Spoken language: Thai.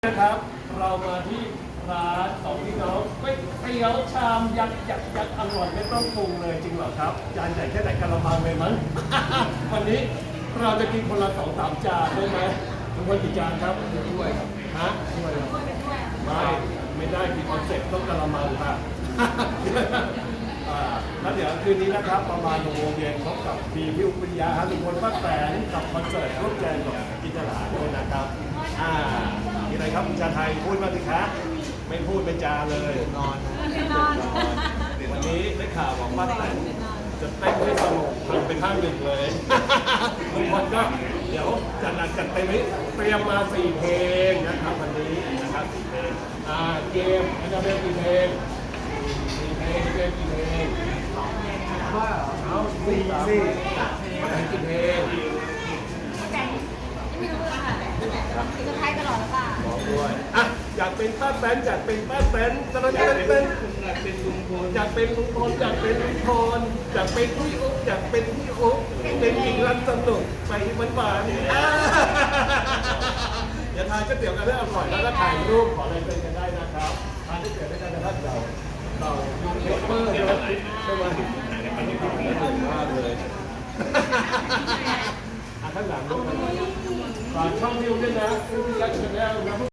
นะครับเรามาที่ร้านสองพี่น้องก๋วยเตี๋ยวชามยักษ์อร่อยไม่ต้องปรุงเลยจริงเหรอครับจานใหญ่แค่ไหนกะละมังเลยมั้ง วันนี้เราจะกินคนละ2-3 จานได้ไหมทุกคนกี่จานครับด้วยครับฮะด้วยไม่ได้มีคอนเซ็ปต์ต้องกะละมังค่ะ แล้วเดี๋ยวคืนนี้นะครับประมาณ6 โมงเย็นพบกับพี่อุปยาลุงพลป้าแตนกับคอนเสิร์ตร่วมแจมกับกิจลาด้วยนะครับมีอะไรครับคุณชาไทยพูดมาสิคะไม่พูดไม่จาเลยนอนวันนี้ได้ข่าวบอกป้าแตนจะเต้นให้สนุกทำเป็น5 1เลยลุงพลก็เดี๋ยวจัดหนักจัดเต็มให้เตรียมมา4 เพลงนะครับวันนี้นะครับ4 เพลงเกมอันดับกี่เพลงเกมกี่เพลงว่าเอา4 กี่เพลงไม่รู้ค่ะคือจะไทยตลอดหรือเปล่าบอกด้วยอยากเป็นป้าแตนอยากเป็นป้าแตนตอนนั้นอยากเป็นลุงพลอยากเป็นลุงพลอยากเป็นลุงพลอยากเป็นพี่อุ๊บอยากเป็นพี่อุ๊บเป็นหญิงรักสนุกไปหวานอย่าทานก๋วยเตี๋ยวกันให้อร่อยแล้วก็ถ่ายรูปขออะไรเป็นกันได้นะครับทานก๋วยเตี๋ยวด้วยกันนะครับเรายูทูบเบอร์ใช่ไหมอันนี้คือได้ถึงมากเลยข้างหลังด้วยฝากช่องวิวด้วยนะวิวยักษ์ชาแนลนะ